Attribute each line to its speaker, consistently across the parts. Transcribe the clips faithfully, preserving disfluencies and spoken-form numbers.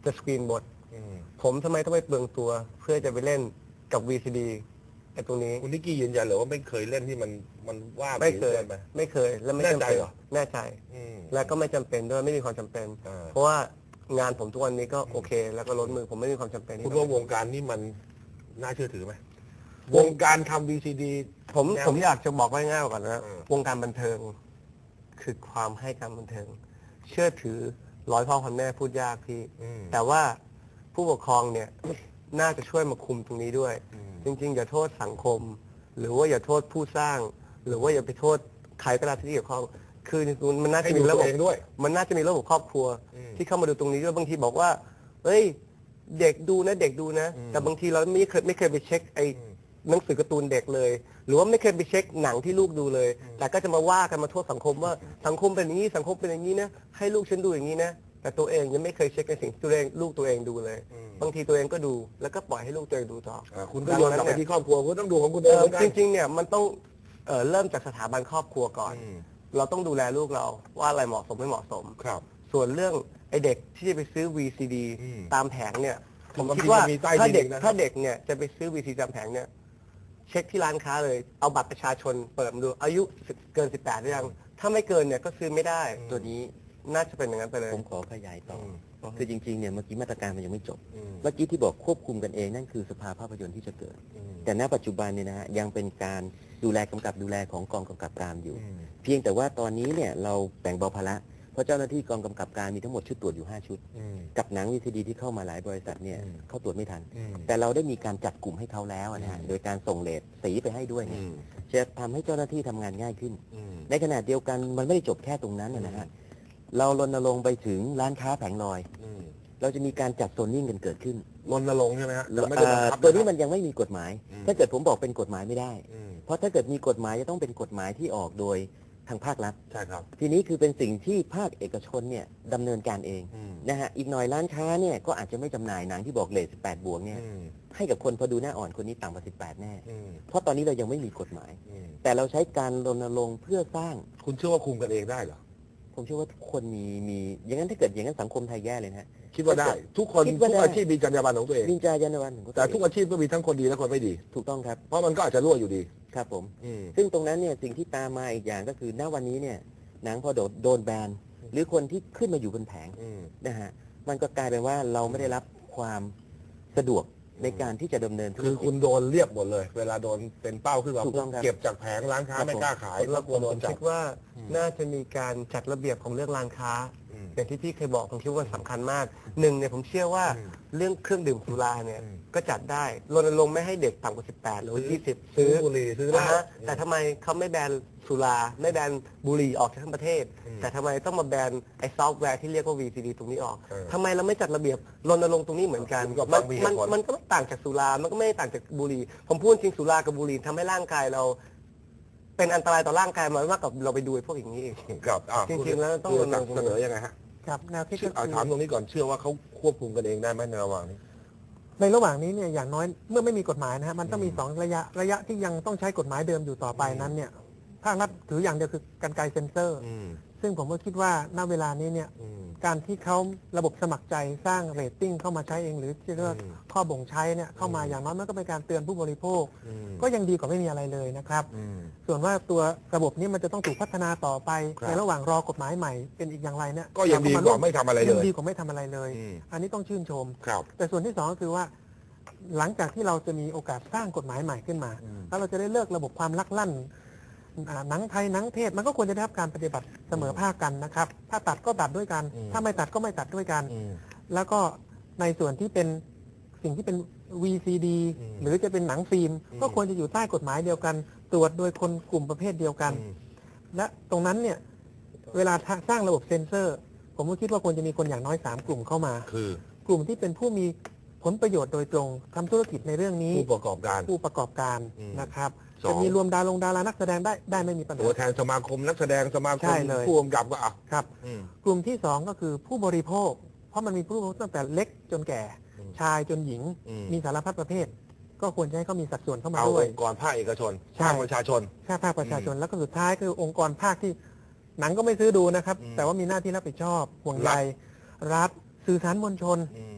Speaker 1: จะสกรีนบทผมทำไมต้องไปเปลืองตัวเพื่อจะไปเล่นกับ วี ซี ดี ไอ้ตรงนี้
Speaker 2: คุณนิกกี้ยืนยันเลยว่าไม่เคยเล่นที่มันมันว่า
Speaker 1: ไม่เคย
Speaker 2: ไหม
Speaker 1: ไม่เคยแล้วไม่จำเป็นแน่ใจและก็ไม่จำเป็นด้วยไม่มีความจำเป็นเพราะว่างานผมทุกวันนี้ก็โอเค แล้วก็ล้นมือผมไม่มีความจำเป็น
Speaker 2: คุณว่าวงการนี้มันน่าเชื่อถือไหมวงการทำ วี ซี ดี
Speaker 1: ผมผมอยากจะบอกง่ายๆก่อนนะวงการบันเทิงคือความให้การบันเทิงเชื่อถือร้อยพ่อพันแม่พูดยากพี่แต่ว่าผู้ปกครองเนี่ยน่าจะช่วยมาคุมตรงนี้ด้วยจริงๆอย่าโทษสังคม หรือว่าอย่าโทษผู้สร้าง หรือว่าอย่าไปโทษใครก็ได้ที่เกี่ยวข้องคือมันน่าจะมีระบบ
Speaker 2: ด้วย
Speaker 1: มันน่าจะมีระบบครอบครัวที่เข้ามาดูตรงนี้ด้วยบางทีบอกว่าเฮ้ยเด็กดูนะเด็กดูนะแต่บางทีเราไม่เคยไม่เคยไปเช็คไอ้หนังสือการ์ตูนเด็กเลยหรือว่าไม่เคยไปเช็คหนังที่ลูกดูเลยแต่ก็จะมาว่ากันมาโทษสังคมว่าสังคมเป็นอย่างนี้สังคมเป็นอย่างนี้นะให้ลูกฉันดูอย่างนี้นะแต่ตัวเองยังไม่เคยเช็คในสิ่งที่ตัวเองลูกตัวเองดูเลยบางทีตัวเองก็ดูแล้วก็ปล่อยให้ลูกตัวเองดูต่อ
Speaker 2: คุณก็โยนกลับไปที่ครอบครัวคุณต้องดูของคุณเอง
Speaker 1: จริงๆเนี่ยมันต้องเริ่มจากสถาบันครอบครัวก่อนเราต้องดูแลลูกเราว่าอะไรเหมาะสมไม่เหมาะสม
Speaker 2: ครับ
Speaker 1: ส่วนเรื่องไอเด็กที่จะไปซื้อ วี ซี ดี ตามแผงเนี่ยผมคิดว่าถ้าเด็กถ้าเด็กเนี่ยจะไปซื้อ วี ซี ดี ตามแผงเนี่ยเช็คที่ร้านค้าเลยเอาบัตรประชาชนเปิดดูอายุเกินสิบแปดหรือยังถ้าไม่เกินเนี่ยก็ซื้อไม่ได้
Speaker 3: ตัวนี้
Speaker 1: น่าจะเป็นอย่างนั้นไปเลย
Speaker 3: ผมขอขยายต่อคือจริงๆเนี่ยเมื่อกี้มาตรการมันยังไม่จบเมื่อกี้ที่บอกควบคุมกันเองนั่นคือสภาภาพยนตร์ที่จะเกิดแต่ณปัจจุบันเนี่ยนะฮะยังเป็นการดูแลกำกับดูแลของกองกำกับการอยู่เพียงแต่ว่าตอนนี้เนี่ยเราแบ่งเบาภาระเพราะเจ้าหน้าที่กองกำกับการมีทั้งหมดชุดตรวจอยู่ห้าชุดกับหนัง วี ซี ดี ที่เข้ามาหลายบริษัทเนี่ยเขาตรวจไม่ทันแต่เราได้มีการจัดกลุ่มให้เขาแล้วนะฮะโดยการส่งเลทสีไปให้ด้วยเนี่ยจะทำให้เจ้าหน้าที่ทำงานง่ายขึ้นในขณะเดียวกันมันไม่ได้จบแค่ตรงนั้นนะฮะเรารณรงค์ไปถึงร้านค้าแผงลอยเราจะมีการจัดโซนนิ่งกันเกิดขึ้น
Speaker 2: รณรงค์ใช่ไหมฮะ
Speaker 3: ตัวนี้มันยังไม่มีกฎหมายถ้าเกิดผมบอกเป็นกฎหมายไม่ได้เพราะถ้าเกิดมีกฎหมายจะต้องเป็นกฎหมายที่ออกโดยทางภาครัฐ
Speaker 2: ใช่ครับ
Speaker 3: ทีนี้คือเป็นสิ่งที่ภาคเอกชนเนี่ยดำเนินการเองนะฮะอีกหน่อยร้านค้าเนี่ยก็อาจจะไม่จำหน่ายหนังที่บอกเลทสิบแปดบวกเนี่ยให้กับคนพอดูหน้าอ่อนคนนี้ต่ำกว่าสิบแปดแน่เพราะตอนนี้เรายังไม่มีกฎหมายแต่เราใช้การรณรงค์เพื่อสร้าง
Speaker 2: คุณเชื่อว่าคุมกันเองได้เหรอ
Speaker 3: ผมเชื่อว่าทุกคนมีมีอย่างนั้นถ้าเกิดอย่างนั้นสังคมไทยแย่เลยนะ
Speaker 2: คิดว่าได้ทุกคนทุกอาชีพมีจรรยาบรรณของตัวเอง
Speaker 3: มีจรรยาบรรณ
Speaker 2: แต่ทุกอาชีพก็มีทั้งคนดีและคนไม่ดี
Speaker 3: ถูกต้องครับ
Speaker 2: เพราะมันก็อาจจะรั่วอยู่ดี
Speaker 3: ครับผมซึ่งตรงนั้นเนี่ยสิ่งที่ตามมาอีกอย่างก็คือณวันนี้เนี่ยหนังพอโดนโดนแบนหรือคนที่ขึ้นมาอยู่บนแผงนะฮะมันก็กลายเป็นว่าเราไม่ได้รับความสะดวกในการที่จะดำเนิน
Speaker 2: คือคุณโดนเรียบหมดเลยเวลาโดนเป็นเป้าขึ้นมาเก็บจากแผงร้านค้าไม่กล้าขาย
Speaker 1: แล้วกลัวโดนจับคิดว่าน่าจะมีการจัดระเบียบของเรื่องร้านค้าอย่างที่พี่เคยบอกผมคิดว่าสำคัญมากหนึ่งเนี่ยผมเชื่อว่าเรื่องเครื่องดื่มสุราเนี่ยก็จัดได้รณรงค์ไม่ให้เด็กต่ำกว่าสิบแปดหรือยี่สิบ
Speaker 2: ซื้อบุหรี่ซื้อเหล้า
Speaker 1: แต่ทำไมเขาไม่แบนสุราไม่แบนบุหรี่ออกจากทั้งประเทศแต่ทำไมต้องมาแบนไอ้ซอฟต์แวร์ที่เรียกว่า วี ซี ดี ตรงนี้ออกทำไมเราไม่จัดระเบียบรณรงค์ตรงนี้เหมือนกันมันมันมันก็ไม่ต่างจากสุรามันก็ไม่ต่างจากบุหรี่ผมพูดจริงสุรากับบุหรี่ทำให้ร่างกายเราเป็นอันตรายต่อร่างกายมากกว่าเราไปดูพวกอย่างนี้เองจริงๆแล้วต้องรณรงค์
Speaker 2: เสนอยังไงฮะ
Speaker 1: ครับแนวคิด
Speaker 2: ก็ถามตรงนี้ก่อนเชื่อว่าเขาควบคุมกันเองได้ไหมในระหว่างนี้
Speaker 1: ในระหว่างนี้เนี่ยอย่างน้อยเมื่อไม่มีกฎหมายนะฮะมันต้องมีสองระยะระยะที่ยังต้องใช้กฎหมายเดิมอยู่ต่อไปนั้นเนี่ยภาครัฐถืออย่างเดียวคือกรรไกรเซ็นเซอร์ซึ่งผมก็คิดว่าณเวลานี้เนี่ยการที่เขาระบบสมัครใจสร้างเรตติ้งเข้ามาใช้เองหรือที่เรียกว่าข้อบ่งใช้เนี่ยเข้ามาอย่างน้อยมันก็เป็นการเตือนผู้บริโภคก็ยังดีกว่าไม่มีอะไรเลยนะครับส่วนว่าตัวระบบนี้มันจะต้องถูกพัฒนาต่อไปในระหว่างรอกฎหมายใหม่เป็นอีกอย่างไรเนี่ย
Speaker 2: ก็ยังดีกว่าไม่ทำอะไรเลย
Speaker 1: ยังดีกว่าไม่ทำอะไรเลยอันนี้ต้องชื่นชมแต่ส่วนที่สองก็คือว่าหลังจากที่เราจะมีโอกาสสร้างกฎหมายใหม่ขึ้นมาแล้วเราจะได้เลิกระบบความลักลั่นหนังไทยหนังเทศมันก็ควรจะได้รับการปฏิบัติเสมอภาคกันนะครับถ้าตัดก็ตัดด้วยกันถ้าไม่ตัดก็ไม่ตัดด้วยกันแล้วก็ในส่วนที่เป็นสิ่งที่เป็น วี ซี ดี หรือจะเป็นหนังฟิล์มก็ควรจะอยู่ใต้กฎหมายเดียวกันตรวจโดยคนกลุ่มประเภทเดียวกันและตรงนั้นเนี่ยเวลาสร้างระบบเซ็นเซอร์ผมก็คิดว่าควรจะมีคนอย่างน้อยสามกลุ่มเข้ามา
Speaker 2: คือก
Speaker 1: ลุ่มที่เป็นผู้มีผลประโยชน์โดยตรงทำธุรกิจในเรื่องนี้
Speaker 2: ผู้ประกอบการ
Speaker 1: ผู้ประกอบการนะครับจะมีรวมดาราดารานักแสดงได้ได้ไม่มีปัญหา
Speaker 2: ตัวแทนสมาคมนักแสดงสมาคมผู้กำกับก็เอา
Speaker 1: ครับกลุ่มที่สองก็คือผู้บริโภคเพราะมันมีผู้บริโภคตั้งแต่เล็กจนแก่ชายจนหญิงมีสารพัดประเภทก็ควรจะให้เขามีสัดส่วนเข้ามาด้วย
Speaker 2: องค์กรภาคเอกชนภาคประชาชน
Speaker 1: ภาคประชาชนแล้วก็สุดท้ายคือองค์กรภาคที่หนังก็ไม่ซื้อดูนะครับแต่ว่ามีหน้าที่รับผิดชอบห่วงใยรัฐสื่อสารมวลชน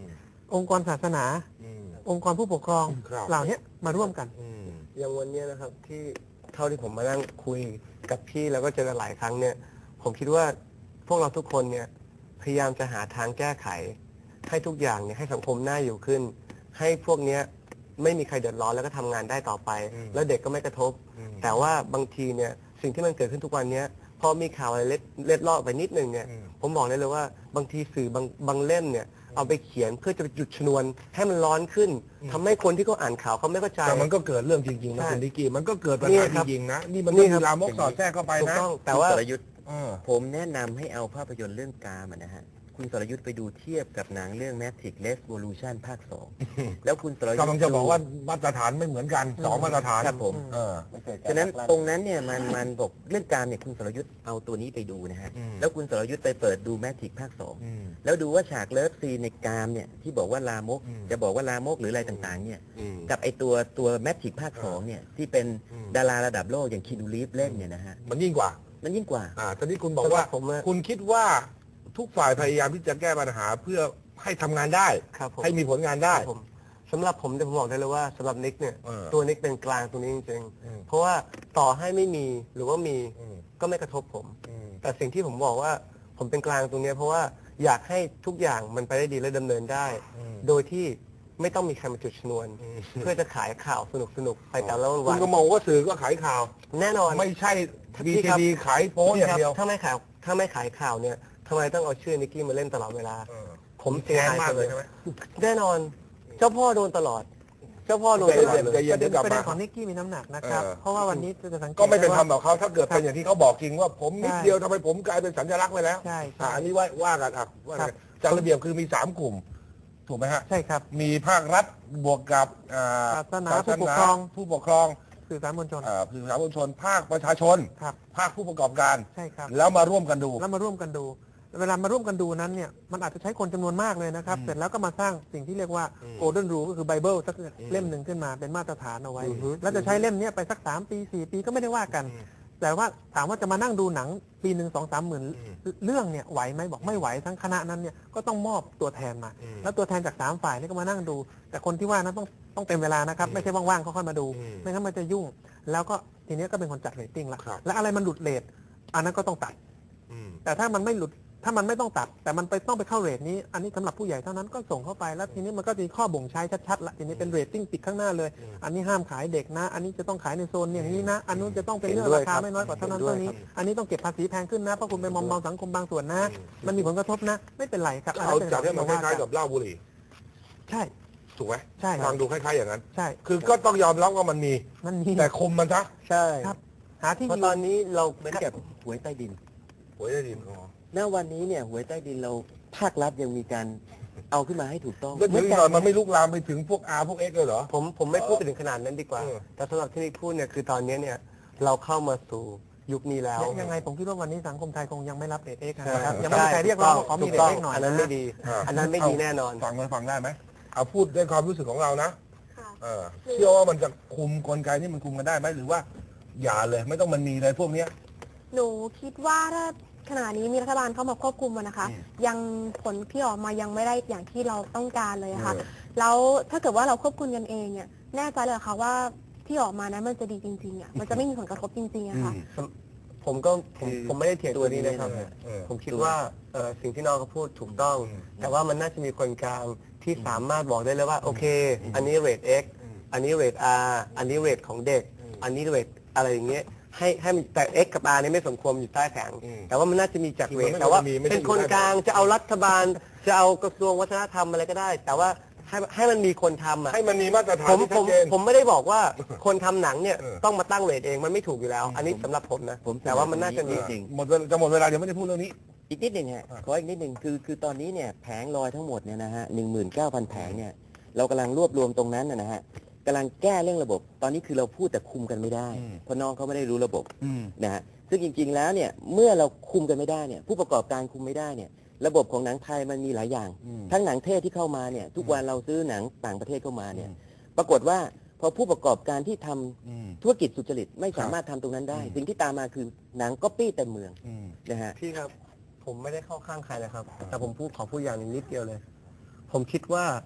Speaker 1: องค์กรศาสนา
Speaker 2: อืม
Speaker 1: องค์กรผู้ปกครอง
Speaker 2: ครับ
Speaker 1: เหล่านี้มาร่วมกัน
Speaker 2: อืม
Speaker 4: อย่างวันเนี้ยนะครับที่เท่าที่ผมมานั่งคุยกับพี่แล้วก็เจอกันหลายครั้งเนี่ยผมคิดว่าพวกเราทุกคนเนี่ยพยายามจะหาทางแก้ไข ให้ทุกอย่างเนี่ยให้สังคมน่าอยู่ขึ้น ให้พวกเนี้ยไม่มีใครเดือดร้อนแล้วก็ทำงานได้ต่อไป
Speaker 2: อืม
Speaker 4: แล้วเด็กก็ไม่กระทบ
Speaker 2: อืม
Speaker 4: แต่ว่าบางทีเนี่ยสิ่งที่มันเกิดขึ้นทุกวันเนี้ยพอมีข่าวอะไรเล็ดเล็ดลอดไปนิดนึงเนี่ย
Speaker 2: อืม
Speaker 4: ผมบอกได้เลยว่าบางทีสื่อบางบางเล่มเนี่ยเอาไปเขียนเพื่อจะไปหยุดชนวนให้มันร้อนขึ้นทำให้คนที่เขาอ่านข่าวเขาไม่เข้าใจ
Speaker 2: แต่มันก็เกิดเรื่องจริงๆนะ
Speaker 4: ใช่
Speaker 2: คุณดิกกี้มันก็เกิดปัญ
Speaker 4: นี่
Speaker 2: หา
Speaker 4: ค
Speaker 2: จ
Speaker 4: รับ
Speaker 2: ริงๆนะนี่มัน
Speaker 4: นี่
Speaker 2: ก็
Speaker 4: ครั
Speaker 2: มี
Speaker 4: บ
Speaker 2: ลามกสอดแทรกเข้าไป
Speaker 4: ถูก
Speaker 2: นะ
Speaker 4: ต้องแต่
Speaker 3: คุณ
Speaker 4: ว่า
Speaker 3: สรยุทธ์
Speaker 2: เออ
Speaker 3: ผมแนะนำให้เอาภาพยนตร์เรื่องกามอะนะฮะ คุณสรยุทธ์ไปดูเทียบกับหนังเรื่อง Matrix Revolution ภาคสอง แล้วคุณสรยุทธ์
Speaker 2: กำลังจะบอกว่ามาตรฐานไม่เหมือนกันสองมาตรฐาน
Speaker 3: ครับผม
Speaker 2: เออ
Speaker 3: ฉะนั้นตรงนั้นเนี่ยมันมันบอกเรื่องการเนี่ยคุณสรยุทธ์เอาตัวนี้ไปดูนะฮะ
Speaker 2: อืม
Speaker 3: แล้วคุณสรยุทธ์ไปเปิดดูแมทริกภาคสอง
Speaker 2: อืม
Speaker 3: แล้วดูว่าฉากเลิฟซีนในกามเนี่ยที่บอกว่าลามก
Speaker 2: อืม
Speaker 3: จะบอกว่าลามกหรืออะไรต่างๆเนี่ย
Speaker 2: อืม
Speaker 3: กับไอตัวตัวแมทริกภาคสองเนี่ยที่เป็น
Speaker 2: อืม
Speaker 3: ดาราระดับโลกอย่างคินูรีฟเล่นเนี่ยนะฮะ
Speaker 2: มันยิ่งกว่า
Speaker 3: มันยิ่งกว่า
Speaker 2: อ่าตอนนี้คุณบอกว่า
Speaker 4: สำหรับผมอะ
Speaker 2: คุณคิดว่าทุกฝ่ายพยายามที่จะแก้ปัญหาเพื่อให้ทำงานได้
Speaker 4: ครับผม
Speaker 2: ให้มีผลงานได้
Speaker 4: ผมสำหรับผมเนี่ยผมบอกได้เลยว่าสำหรับนิกเนี่ย
Speaker 2: เออ
Speaker 4: ตัวนิกเป็นกลางตรงนี้จริง
Speaker 2: อืม
Speaker 4: ๆเพราะว่าต่อให้ไม่มีหรือว่ามี
Speaker 2: อืม
Speaker 4: ก็ไม่กระทบผม
Speaker 2: อืม
Speaker 4: แต่สิ่งที่ผมบอกว่าผมเป็นกลางตรงเนี้ยเพราะว่าอยากให้ทุกอย่างมันไปได้ดีและดำเนินได้
Speaker 2: อืม
Speaker 4: โดยที่ไม่ต้องมีใครมาจุดชนวน
Speaker 2: อืม
Speaker 4: เพื่อจะขายข่าวสนุกๆไปแต่ละ
Speaker 2: คุ
Speaker 4: วั
Speaker 2: ณ
Speaker 4: น
Speaker 2: ก็มองว่าสื่อก็ขายข่าว
Speaker 4: แน่นอน
Speaker 2: ไม่ใช่
Speaker 4: พี่
Speaker 2: บี
Speaker 4: ครับ
Speaker 2: ทีดีขายโป๊อย่างเดียว
Speaker 4: ถ้าไม่ขายถ้าไม่ขายข่าวเนี่ยทำไมต้องเอาชื่อนิกกี้มาเล่นตลอดเวลา
Speaker 2: เออ
Speaker 4: ผมเสียหาย
Speaker 2: แค้นมากเลยใช่ไหม
Speaker 4: แน่นอน เจ้าพ่อโดนตลอด เจ้าพ่อโดนตลอดเลย
Speaker 2: ใจเย็น
Speaker 1: ประเด็น
Speaker 2: กลับ
Speaker 1: ประเด็
Speaker 2: มา
Speaker 1: นของนิกกี้มีน้ำหนักนะครับ
Speaker 2: เออ
Speaker 1: เพราะว่าวันนี้จะสังเกต
Speaker 2: ก็ไม่เป็นธรรม
Speaker 1: ด้
Speaker 2: กับเขาถ้าเกิดเป็นอย่างที่เขาบอกจริงว่าผมนิด
Speaker 1: ใช่
Speaker 2: เดียวทำไมผมกลายเป็นสัญลักษณ์ไปแล้ว
Speaker 1: ใช่ใช่
Speaker 2: อ่าอันนี้ว่าว่ากันอ่ะว่า
Speaker 1: ครั
Speaker 2: กับ นจัดระเบียบคือมีสามกลุ่ม ถูกไหมฮะ
Speaker 1: ใช่ครับ
Speaker 2: มีภาครัฐบวกกับอ่า
Speaker 1: ศาสนาผู้ปกครอง
Speaker 2: ผู้ปกครอง
Speaker 1: สื่อสารมวลชน
Speaker 2: อ่าสื่อสารมวลชน ภาคประชาชน
Speaker 1: ครับ
Speaker 2: ภาคผู้ประกอบการ
Speaker 1: ใช่ครับ
Speaker 2: แล้วมาร่วมกันดู
Speaker 1: แล้วมาร่วมกันดู เวลามาร่วมกันดูนั้นเนี่ยมันอาจจะใช้คนจำนวนมากเลยนะครับ
Speaker 2: อืม
Speaker 1: เสร็จแล้วก็มาสร้างสิ่งที่เรียกว่า
Speaker 2: อืม
Speaker 1: Golden Rule ก็คือไบเบิลสัก
Speaker 2: อืม
Speaker 1: เล่มหนึ่งขึ้นมาเป็นมาตรฐานเอาไว้
Speaker 4: อือฮึ
Speaker 1: แล้วจะใช้เล่มเนี้ยไปสักสามปีสี่ปีก็ไม่ได้ว่ากัน
Speaker 2: อืม
Speaker 1: แต่ว่าถามว่าจะมานั่งดูหนังปีหนึ่งสองสามหมื่น
Speaker 2: อืม
Speaker 1: เรื่องเนี่ยไหวไหมบอกไม่ไหวทั้งคณะนั้นเนี่ยก็ต้องมอบตัวแทนมา
Speaker 2: อืม
Speaker 1: แล้วตัวแทนจากสามฝ่ายนี่ก็มานั่งดู แต่คนที่ว่านั้นต้องต้องเต็มเวลานะครับ
Speaker 2: อืม
Speaker 1: ไม่ใช่ว่างๆเขาค่อยมาดู
Speaker 2: อืม
Speaker 1: ไม่งั้นมันจะยุ่ง แล้วก็ทีเนี้ยก็เป็นคนจัดเรตติ้งละ
Speaker 2: ครับ
Speaker 1: และอะไรมันหลุดเรทอันนั้นก็ต้องตัด
Speaker 2: อืม
Speaker 1: แต่ถ้ามันไม่หลุดถ้ามันไม่ต้องตัด แต่มันไปต้องไปเข้าเรทนี้ อันนี้สำหรับผู้ใหญ่เท่านั้นก็ส่งเข้าไปแล้วทีนี้มันก็จะมีข้อบ่งใช้ชัดๆละทีนี้เป็นเรตติ้งติดข้างหน้าเลย
Speaker 2: อืม
Speaker 1: อันนี้ห้ามขายเด็กนะ อันนี้จะต้องขายในโซนอย่างนี้นะ อันนู้นจะต้องเป็นเรื่อง
Speaker 4: เห็นด้วย
Speaker 1: ราคา
Speaker 4: ครับ
Speaker 1: ไม่น้อยกว่าเท่านั้น
Speaker 4: เห็นด้วย
Speaker 1: เท่านี้
Speaker 4: ครับ
Speaker 1: อันนี้ต้องเก็บภาษีแพงขึ้นนะเพราะคุณไปมอมเมาสังคมบางส่วนนะ
Speaker 2: อืม
Speaker 1: มันมีผลกระทบนะ ไม่เป็นไรครับ
Speaker 2: เอาจัดให้มันค
Speaker 1: ว่
Speaker 2: ล้ายๆกับเหล้าบุหรี่
Speaker 1: ใช่
Speaker 2: ถูกไหม
Speaker 1: ใช่ครั
Speaker 2: ฟั
Speaker 1: บ
Speaker 2: งดูคล้ายๆอย่างนั้น
Speaker 1: ใช่
Speaker 2: คือก็ต้องยอมรับว่ามันมี
Speaker 1: มันมี
Speaker 2: แต่คุมมันซะ
Speaker 4: ใช่
Speaker 1: ครับ หาที่
Speaker 4: เพราะ
Speaker 1: ยื
Speaker 4: ตอน
Speaker 1: น
Speaker 4: นี้เรา
Speaker 3: เหมือนกับหวยใต้ดิน
Speaker 2: หวยได้ดินอ๋อ
Speaker 3: ณวันนี้เนี่ยหวยใต้ดินเราภาครัฐยังมีการเอาขึ้นมาให้ถูกต้อง
Speaker 2: แล้วถึงหน่อยมันไม่ลุกลามไปถึงพวก R พวก X เลยเหรอ
Speaker 4: ผมผมไม่พูดไปถึงขนาดนั้นดีกว่า
Speaker 2: เออ
Speaker 4: แต่สำหรับที่นิกพูดเนี่ยคือตอนนี้เนี่ยเราเข้ามาสู่ยุคนี้แล้ว
Speaker 1: ยังไงผมคิดว่าวันนี้สังคมไทยคงยังไม่รับเรทเอ็กซ์
Speaker 4: ใช่
Speaker 1: นะครับยังไม่มีใครเรียกร้องว่าขอมีเรท
Speaker 4: ถูกต้
Speaker 1: เอ็กซ์หน่อย
Speaker 4: อันนั้น
Speaker 1: นะ
Speaker 4: ไม่ดี
Speaker 2: อ่า
Speaker 4: อันนั้นไม่ดีแน่นอน
Speaker 2: ฟังมันฟังได้ไหมเอาพูดด้วยความรู้สึกของเรานะ
Speaker 5: ค่ะ
Speaker 2: เออเชื่อว่ามันจะคุมกลไกนี่มันคุมกันได้ไหมหรือว่า อย่าเลยไม่ต้องมันมีเลยพวกเนี้ย
Speaker 5: หนูคิดว่าถ้าขณะนี้มีรัฐบาลเข้ามาควบคุมมันนะคะ
Speaker 2: อืม
Speaker 5: ยังผลที่ออกมายังไม่ได้อย่างที่เราต้องการเลยอะค่ะ
Speaker 2: เออ
Speaker 5: แล้วถ้าเกิดว่าเราควบคุมกันเองเนี่ยแน่ใจเลยเหรอคะว่าที่ออกมานั้นมันจะดีจริงๆอะมันจะไม่มีผลกระทบจริงๆอะค่ะ
Speaker 4: ผมก็ผม
Speaker 3: คือ
Speaker 4: ผมไม่ได้เถียงตัวนี้นะครับ
Speaker 2: เออเออ
Speaker 4: ผมคิดว่าเอ่อสิ่งที่น้องเขาพูดถูกต้อง
Speaker 2: อืม
Speaker 4: แต่ว่ามันน่าจะมีคนกลางที่สามารถบอกได้เลยว่าโอเค อันนี้เรท X
Speaker 2: อืม
Speaker 4: อันนี้เรท R อันนี้เรทของเด็ก
Speaker 2: อืม
Speaker 4: อันนี้เรทอะไรอย่างเงี้ยให้ให้มันแต่ X กับ R นี่ไม่สมควรอยู่ใต้แผง
Speaker 2: อืม
Speaker 4: แต่ว่ามันน่าจะมีจาก
Speaker 2: คือ
Speaker 4: เร
Speaker 2: มันไม่
Speaker 4: ทแต่ว่า
Speaker 2: มีไม่ใช่
Speaker 4: เป็นคน
Speaker 2: อยู่ใต้
Speaker 4: กลางจะเอารัฐบาล จะเอากระทรวงวัฒนธรรมอะไรก็ได้ แต่ว่าให้ให้มันมีคนทำอ่ะ
Speaker 2: ให้มันมีมาตรฐาน
Speaker 4: ผม
Speaker 2: ที่
Speaker 4: ผ
Speaker 2: ชัด
Speaker 4: ม
Speaker 2: เจน
Speaker 4: ผมไม่ได้บอกว่าคนทำหนังเนี่ย
Speaker 2: เออ
Speaker 4: ต้องมาตั้งเรทเองมันไม่ถูกอยู่แล้ว อันนี้สำหรับผมนะ
Speaker 3: ผม
Speaker 4: แต่ว่ามันน่าจะมี
Speaker 3: จริง
Speaker 2: หมดเวลาจะหมดเวลาเดี๋ยวไม่ได้พูดเรื่องนี้
Speaker 3: อีกนิดหนึ่งฮะ
Speaker 2: อ่า
Speaker 3: ขออีกนิดหนึ่งคือคือตอนนี้เนี่ยแผงลอยทั้งหมดเนี่ยนะฮะหนึ่งหมื่นเก้าพันแผงเนี่ยเรากำลังรวบรวมตรงนั้นนะนะฮะกำลังแก้เรื่องระบบ ตอนนี้คือเราพูดแต่คุมกันไม่ได้
Speaker 2: อืม
Speaker 3: เพราะน้องเขาไม่ได้รู้ระบบ
Speaker 2: อืม
Speaker 3: นะฮะซึ่งจริง ๆ แล้วเนี่ยเมื่อเราคุมกันไม่ได้เนี่ยผู้ประกอบการคุมไม่ได้เนี่ยระบบของหนังไทยมันมีหลายอย่าง
Speaker 2: อืม
Speaker 3: ทั้งหนังเทศที่เข้ามาเนี่ยทุกวันเราซื้อหนังต่างประเทศเข้ามาเนี่ย
Speaker 2: อืม
Speaker 3: ปรากฏว่าพอผู้ประกอบการที่ทำ
Speaker 2: อืม
Speaker 3: ธุรกิจสุจริตไม่สามารถทำตรงนั้นได้
Speaker 2: อืม
Speaker 3: สิ่งที่ตามมาคือหนังก๊อปปี้เต็มเมือง
Speaker 2: อืม
Speaker 3: นะฮะ
Speaker 4: พี่ครับ ผมไม่ได้เข้าข้างใครนะครับ แต่ผมพูดขอพูดอย่างหนึงนิดเดียวเลย ผมคิดว่า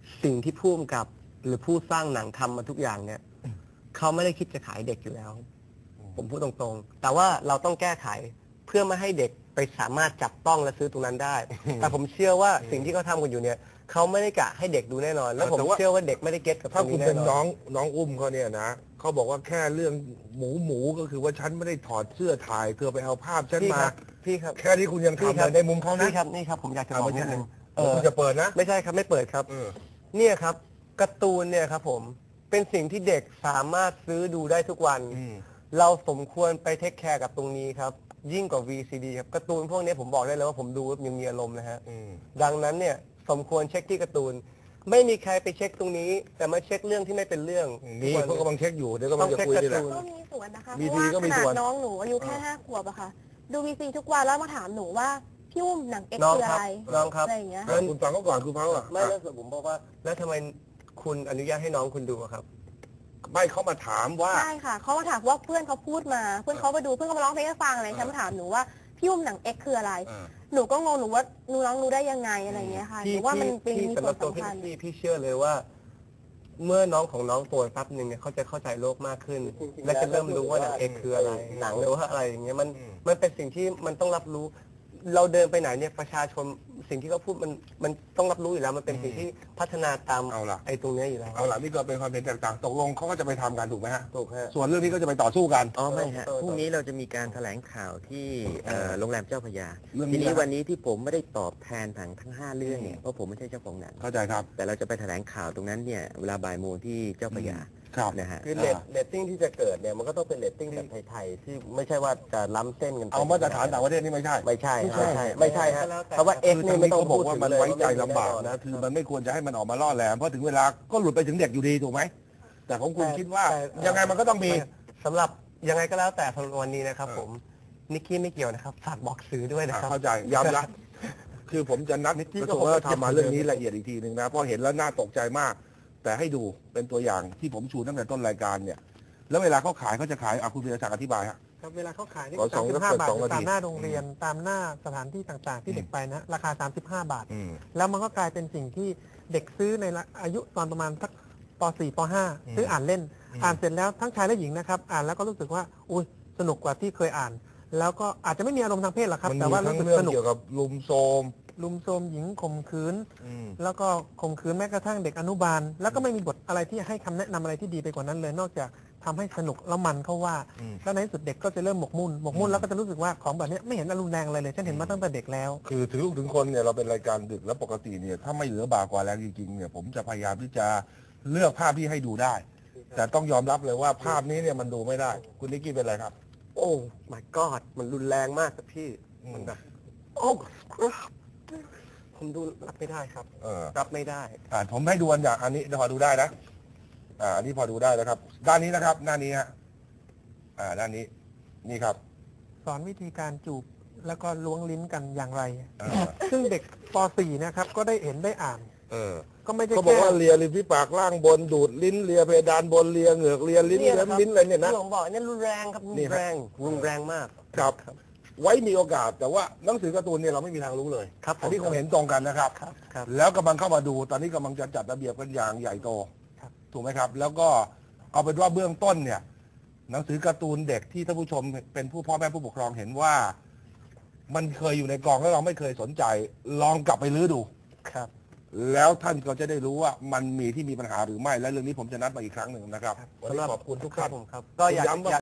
Speaker 4: สิ่งที่ผู้กำกับหรือผู้สร้างหนังทำมาทุกอย่างเนี่ยเขาไม่ได้คิดจะขายเด็กอยู่แล้ว ผมพูดตรงๆ แต่ว่าเราต้องแก้ไขเพื่อไม่ให้เด็กไปสามารถจับต้องและซื้อตรงนั้นได้ แต่ผมเชื่อว่าสิ่งที่เขาทำกันอยู่เนี่ยเขาไม่ได้กะให้เด็กดูแน่นอน แล้วผมเชื่อว่าเด็กไม่ได้เก็ตกับต
Speaker 2: ถ้า
Speaker 4: รง
Speaker 2: คุณ
Speaker 4: นี้
Speaker 2: เป็
Speaker 4: แน่
Speaker 2: น
Speaker 4: น
Speaker 2: น้
Speaker 4: อ
Speaker 2: อน งน้องอุ้มเขาเนี่ยนะเขาบอกว่าแค่เรื่องหมูหมูก็คือว่าฉันไม่ได้ถอดเสื้อถ่ายเธอไปเอาภาพฉัน
Speaker 4: พี่
Speaker 2: มา
Speaker 4: ครับพี่ครับ
Speaker 2: แค่นี้คุณยัง
Speaker 4: พี่
Speaker 2: ทำ
Speaker 4: ครั
Speaker 2: เลยในมุมเขานะ
Speaker 4: พี่ครับนี่ครับผมอยากจะบอกนิดนึงเอ
Speaker 2: เดี๋ยว
Speaker 4: อ
Speaker 2: คุณจะเปิดนะ
Speaker 4: ไม่ใช่ครับไม่เปิดครับ
Speaker 2: เออ
Speaker 4: เนี่ยครับการ์ตูนเนี่ยครับผมเป็นสิ่งที่เด็กสามารถซื้อดูได้ทุกวัน
Speaker 2: อืม
Speaker 4: เราสมควรไปเทคแคร์กับตรงนี้ครับ ยิ่งกว่า วี ซี ดี ครับการ์ตูนพวกนี้ผมบอกได้เลยว่าผมดูยังมีอารมณ์นะฮะ
Speaker 2: อืม
Speaker 4: ดังนั้นเนี่ยสมควรเช็คที่การ์ตูน ไม่มีใครไปเช็คตรงนี้ แต่มาเช็คเรื่องที่ไม่เป็นเรื่อง
Speaker 2: นี่เขากำลังเช็คอยู่เดี๋ยวกำลังจะคุยนี่แหละ
Speaker 5: ก็มีส่วนนะคะ
Speaker 2: มี
Speaker 5: เพราะ
Speaker 2: ดี
Speaker 5: ว่า
Speaker 2: ก็
Speaker 5: ข
Speaker 2: มี
Speaker 5: นา
Speaker 2: ส่
Speaker 5: ด
Speaker 2: วน
Speaker 5: น้องหนูอายุแค่ห้าขวบอะค่ะ ดูวีซีทุกวันแล้วมาถามหนูว่าพี่อุ้มหนังเอ็กซ์
Speaker 4: น้อง
Speaker 5: คือ
Speaker 4: ค
Speaker 5: อะ
Speaker 4: รับ
Speaker 5: ไร
Speaker 4: น้องครับ
Speaker 5: อะไรอย่างเงี้ย
Speaker 2: อ่ะคุณฟังเขาก่อนคุณฟังเขาก่อน
Speaker 4: ไม่แล้วผมบอกว่า แล้วทำไมคุณอนุญาตให้น้องคุณดูอะครับ
Speaker 2: ไม่เขามาถามว่า
Speaker 5: ใช่ค่ะเขามาถามว่าเพื่อนเขาพูดมา เพื่อนเขาไปดูเพื่อนเขามาร้องเพลงให้ฟังอะไรฉันมาถามหนูว่าพี่อุ้มหนังเอ็กซ์คืออะไร
Speaker 2: อ่า
Speaker 5: หนูก็งงหนูว่าหนูน้องรู้ได้ยังไงอะไรอย่างเงี้ยค่ะห
Speaker 4: พี่
Speaker 5: นูว่ามันเป็น
Speaker 4: พี่
Speaker 5: มี
Speaker 4: สำห
Speaker 5: ส่ว
Speaker 4: รั
Speaker 5: น
Speaker 4: บตัว
Speaker 5: สำ
Speaker 4: พี่
Speaker 5: คัญ
Speaker 4: พี่พี่เชื่อเลยว่า เมื่อน้องของน้องโตแป๊บหนึ่งเนี่ยเขาจะเข้าใจโลกมากขึ้น และจะเริ่มรู้ว่าหนังเอกคืออะไร หนังหรือว่าอะไรอย่างเงี้ยมัน
Speaker 2: อืม
Speaker 4: มันเป็นสิ่งที่มันต้องรับรู้ เราเดินไปไหนเนี่ยประชาชนสิ่งที่เขาพูดมันมันต้องรับรู้อยู่แล้ว มันเป็นสิ่งที่พัฒนาตาม
Speaker 2: เอาล่ะ
Speaker 4: ไอ้ตรงเนี้ยอยู่แล้ว
Speaker 2: เอาล่ะนี่ก็เป็นความเห็นแตกต่างตกลงเขาก็จะไปทำกันถูกไหมฮะ
Speaker 4: ถูกฮะ
Speaker 2: ส่วนเรื่องนี้ก็จะไปต่อสู้กัน
Speaker 3: อ๋อไม่ฮะ
Speaker 4: เออ
Speaker 3: พรุ่งนี้เราจะมีการแถลงข่าวที่เอ่อโรงแรมเจ้าพระยา
Speaker 2: เรื่องนี้
Speaker 3: ทีนี้
Speaker 2: นะ
Speaker 3: วันนี้ที่ผมไม่ได้ตอบแทนทั้งทั้งห้าเรื่องเนี่ยเพราะผมไม่ใช่เจ้าของหนัง
Speaker 2: เข้าใจครับ
Speaker 3: แต่เราจะไปแถลงข่าวตรงนั้นเนี่ยเวลาบ่ายโมงที่เจ้าพระยา
Speaker 2: ครับ
Speaker 3: นะฮะ
Speaker 4: คือเรตเรตติ้งที่จะเกิดเนี่ยมันก็ต้องเป็นเรตติ้งแบบไทยๆที่ไม่ใช่ว่าจะล้ำเส้นกันไป
Speaker 2: เอามาตรฐานต่างประเทศนี่ไม่ใช่
Speaker 4: ไม่ใช่
Speaker 2: ไม่ใช่
Speaker 4: ไม่ใช่ไม่ใช่ฮะเพราะว่าเอ็ก
Speaker 2: คือ
Speaker 4: นี่
Speaker 2: ทาง
Speaker 4: ไม่
Speaker 2: นี้
Speaker 4: ต้อง
Speaker 2: เขาบอกว่ามันไว้ใจลำบาก
Speaker 4: แอ
Speaker 2: นะ คือมันไม่ควรจะให้มันออกมาล่อแหลมเพราะถึงเวลาก็หลุดไปถึงเด็กอยู่ดีถูกไหมแต่ของคุณคิดว่า
Speaker 4: แต่
Speaker 2: ยังไงมันก็ต้องมี
Speaker 4: สำหรับยังไงก็แล้วแต่วันนี้นะครับ
Speaker 2: เออ
Speaker 4: ผมนิกกี้ไม่เกี่ยวนะครับฝากบอกสื่อด้วยนะ
Speaker 2: อ่ะ
Speaker 4: ครับ
Speaker 2: เข้าใจย้ำนะ คือผมจะนัด
Speaker 4: นิกกี้
Speaker 2: กระ
Speaker 4: ก็
Speaker 2: ทรวงวัฒนธรรม
Speaker 4: คงจะ
Speaker 2: มาเรื่องนี้ละเอียดอีกทีหนึ่งนะเพราะเห็นแล้วน่าตกใจมาก แต่ให้ดูเป็นตัวอย่างที่ผมชูตั้งแต่ต้นรายการเนี่ย แล้วเวลาเขาขายเขาจะขายอ่ะคุณธีรศักดิ์อธิบายฮะ
Speaker 1: ครับเวลาเขาขายนี่
Speaker 2: ขอส
Speaker 1: สา
Speaker 2: อง
Speaker 1: มสิบห้า
Speaker 2: เปิด
Speaker 1: บาท
Speaker 2: สองนาที
Speaker 1: ตามหน้าโรงเรียนตามหน้าสถานที่ต่างๆ ที่เด็กไปนะราคา สามสิบห้า บาท
Speaker 2: อืม
Speaker 1: แล้วมันก็กลายเป็นสิ่งที่เด็กซื้อในละอายุตอนประมาณสักป .สี่ ป .ห้า
Speaker 2: อืม
Speaker 1: ซื้ออ่านเล่น
Speaker 2: อืม
Speaker 1: อ่านเสร็จแล้วทั้งชายและหญิงนะครับอ่านแล้วก็รู้สึกว่าอุ้ยสนุกกว่าที่เคยอ่าน แล้วก็อาจจะไม่มีอารมณ์ทางเพศหรอกครับ
Speaker 2: มัน
Speaker 1: แต่
Speaker 2: มี
Speaker 1: ว่า
Speaker 2: ทั้
Speaker 1: รู้
Speaker 2: ง
Speaker 1: สึก
Speaker 2: เรื่อ
Speaker 1: ส
Speaker 2: ง
Speaker 1: นุก
Speaker 2: เกี่ยวกับลุมโทรม
Speaker 1: ลุมโทรมหญิงข่มขืน
Speaker 2: อืม
Speaker 1: แล้วก็ข่มขืนแม้กระทั่งเด็กอนุบาล แล้วก็ไม่มีบทอะไรที่ให้คำแนะนำอะไรที่ดีไปกว่านั้นเลย นอกจากทำให้สนุกแล้วมันเขาว่า
Speaker 2: อืม
Speaker 1: แล้วในที่สุดเด็กก็จะเริ่มหมกมุ่นหมกมุ่
Speaker 2: อื
Speaker 1: น
Speaker 2: ม
Speaker 1: แล้วก็จะรู้สึกว่าของแบบเนี้ยไม่เห็นอารมณ์แรงอะไรเลยฉันเห็นมาตั้งแต่เด็กแล้ว
Speaker 2: คือถึงลูกถึงคนเนี่ยเราเป็นรายการดึกแล้วปกติเนี่ยถ้าไม่เหลือบากกว่าแรงจริงๆเนี่ยผมจะพยายามที่จะเลือกภาพที่ให้ดูได้ แต่ต้องยอมรับเลยว่าภาพนี้เนี่ยมันดูไม่ได้ คุณนิกกี้เป็นไรครับ
Speaker 4: โอ้ my god มันรุนแรงมากครับพี่
Speaker 2: อืม
Speaker 4: มันแบบโอ้ผมดูรับไม่ได้ครับ
Speaker 2: เออ
Speaker 4: รับไม่ได้
Speaker 2: อ่าผมให้ดูอันอย่างอันนี้พอดูได้นะ อ่าอันนี้พอดูได้นะครับ ด้านนี้นะครับหน้านี้ฮะอ่าด้านนี้นี่ครับ
Speaker 1: สอนวิธีการจูบแล้วก็ล้วงลิ้นกันอย่างไร
Speaker 2: เออ
Speaker 1: ซึ่งเด็กป .สี่ นะครับก็ได้เห็นได้อ่าน
Speaker 2: เออ
Speaker 1: ก็ไม่ได้
Speaker 2: เขาบอก
Speaker 1: แค่
Speaker 2: ว่าเลียริมฝีปากล่างบนดูดลิ้นเลียเพดานบนเลียเหงือกเลียลิ้น
Speaker 4: เนี่ย
Speaker 2: เลีย
Speaker 4: นะครับ
Speaker 2: ลิ้นอะไรเนี่ยนะ
Speaker 4: ที่ผมบอกเนี่ยรุนแรงครับรุ
Speaker 2: นี่
Speaker 4: น
Speaker 2: ครับ
Speaker 4: แรงรุนแรงมาก
Speaker 2: ครับ ไว้มีโอกาสแต่ว่าหนังสือการ์ตูนเนี่ยเราไม่มีทางรู้เลย
Speaker 4: ครับผม
Speaker 2: อันนี้คงเห็นตรงกันนะครับ
Speaker 4: ครับครับ
Speaker 2: แล้วกำลังเข้ามาดูตอนนี้กำลังจะจัดระเบียบกันอย่างใหญ่โต
Speaker 1: ครับ
Speaker 2: ถูกไหมครับ แล้วก็เอาเป็นว่าเบื้องต้นเนี่ย หนังสือการ์ตูนเด็กที่ท่านผู้ชมเป็นผู้พ่อแม่ผู้ปกครองเห็นว่า มันเคยอยู่ในกองแล้วเราไม่เคยสนใจ ลองกลับไปรื้อดู
Speaker 4: ครับ
Speaker 2: แล้วท่านก็จะได้รู้ว่ามันมีที่มีปัญหาหรือไม่และเรื่องนี้ผมจะนัดมาอีกครั้งหนึ่งนะครับวันนี้ขอบคุณทุก
Speaker 4: ครั
Speaker 2: ท่า
Speaker 4: บ
Speaker 2: น
Speaker 4: ผมครับ ก็อยาก
Speaker 2: ย้ำว่า
Speaker 4: อยาก